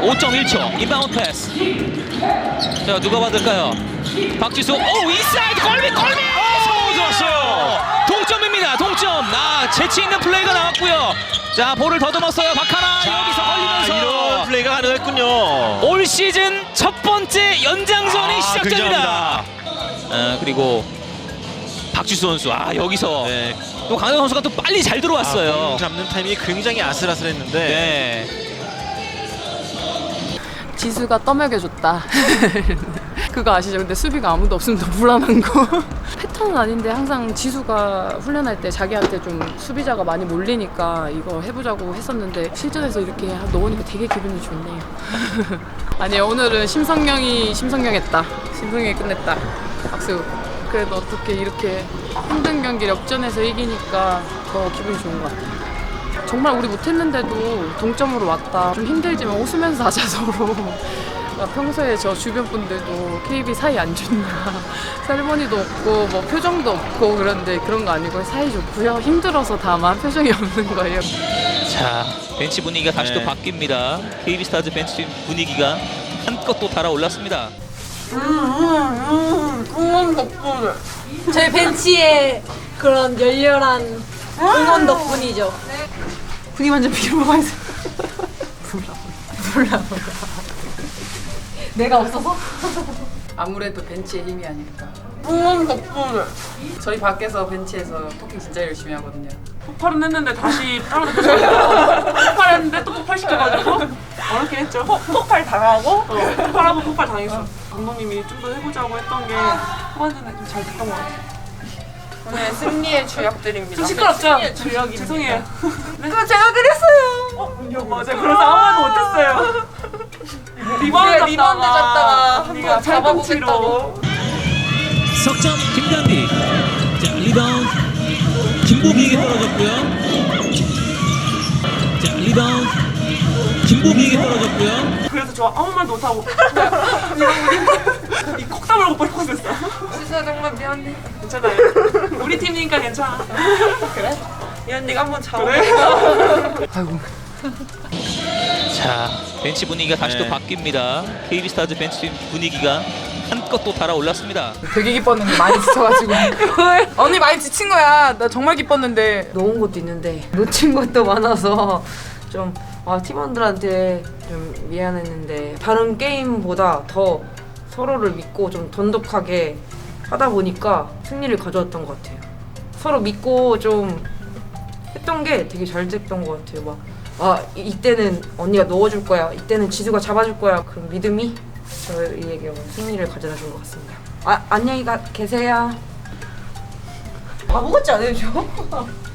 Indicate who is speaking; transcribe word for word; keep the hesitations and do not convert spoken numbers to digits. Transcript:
Speaker 1: 오 점 일 초 인바운드 패스. 자, 누가 받을까요? 박지수. 오, 인사이드 골밑 골밑.
Speaker 2: 오, 좋았어요.
Speaker 1: 동점입니다. 동점. 아, 재치 있는 플레이가 나왔고요. 자, 볼을 더듬었어요. 박하나.
Speaker 2: 자,
Speaker 1: 여기서 걸리면서
Speaker 2: 이런 플레이가 가능했군요.
Speaker 1: 올 시즌 첫 번째 연장전이
Speaker 2: 아,
Speaker 1: 시작됩니다. 아, 그리고 박지수 선수. 아, 여기서
Speaker 2: 네.
Speaker 1: 또 강현 선수가 또 빨리 잘 들어왔어요.
Speaker 2: 아, 공 잡는 타이밍이 굉장히 아슬아슬했는데.
Speaker 1: 네.
Speaker 3: 지수가 떠먹여줬다. 그거 아시죠? 근데 수비가 아무도 없으면 더 불안한 거. 패턴은 아닌데 항상 지수가 훈련할 때 자기한테 좀 수비자가 많이 몰리니까 이거 해보자고 했었는데 실전에서 이렇게 넣으니까 되게 기분이 좋네요. 아니, 오늘은 심성령이 심성령했다. 심성령이 끝냈다. 박수. 그래도 어떻게 이렇게 힘든 경기를 역전해서 이기니까 더 기분이 좋은 것 같아요. 정말 우리 못했는데도 동점으로 왔다. 좀 힘들지만 웃으면서 하자 서로. 평소에 저 주변 분들도 케이비 사이 안 좋냐, 셀머니도 없고 뭐 표정도 없고 그런데 그런 거 아니고 사이 좋고요. 힘들어서 다만 표정이 없는 거예요.
Speaker 1: 자, 벤치 분위기가 다시
Speaker 2: 네.
Speaker 1: 또 바뀝니다. 케이비스타즈 벤치 분위기가 한껏 또 달아올랐습니다.
Speaker 4: 저희 벤치의 그런 열렬한 응원 덕분이죠.
Speaker 3: 분위기 완전 비로가 있어. 몰라 몰라 몰라.
Speaker 4: 내가 없어서?
Speaker 3: 아무래도 벤치의 힘이 아닐까. 응원 덕분에. 저희 밖에서 벤치에서 토킹 진짜 열심히 하거든요.
Speaker 5: 폭발은 했는데 다시 떨어졌어요. 폭발했는데 또 폭발시켜가지고 어렵긴 했죠. 폭, 폭발 당하고 어, 폭발하고 폭발 당했어. 감독님이 좀 더 해보자고 했던 게 후반전에 좀 잘 됐던 것 같아요.
Speaker 6: 오늘 승리의 주역들입니다.
Speaker 5: 좀 시끄럽죠? 주역이 죄송해요. 그거 제가 그랬어요. 어, 맞아. 그래서 아무 말도 못했어요. 리바운드
Speaker 6: 리바운드 잡다가
Speaker 5: 언니가
Speaker 6: 한번 잡아보겠다고.
Speaker 1: 석점 김단비. 자, 리바운드 김보비에게 떨어졌고요. 자, 리바운드 김보비에게 떨어졌고요.
Speaker 5: 그래서 저 아무 말도 못하고 이 콕담을 못 버리고 있었어.
Speaker 6: 진짜 정말 미안해.
Speaker 5: 괜찮아요. 우리 팀이니까 괜찮아.
Speaker 6: 그래? 이 언니가 한번 잡아보고.
Speaker 5: 그래?
Speaker 1: 자, 벤치 분위기가 다시
Speaker 2: 네.
Speaker 1: 또 바뀝니다. 케이비스타즈 벤치 분위기가 한껏 또 달아올랐습니다.
Speaker 3: 되게 기뻤는데 많이 지쳐가지고. 언니 많이 지친 거야. 나 정말 기뻤는데.
Speaker 7: 놓은 것도 있는데 놓친 것도 많아서 좀 아, 팀원들한테 좀 미안했는데 다른 게임보다 더 서로를 믿고 좀 돈독하게 하다 보니까 승리를 가져왔던 것 같아요. 서로 믿고 좀 했던 게 되게 잘 됐던 것 같아요. 막 아, 이때는 언니가 넣어줄 거야, 이때는 지수가 잡아줄 거야, 그런 믿음이 저희에게 승리를 가져다 준 것 같습니다. 아, 안녕히 가, 계세요.
Speaker 4: 바보 같지 않아요, 저?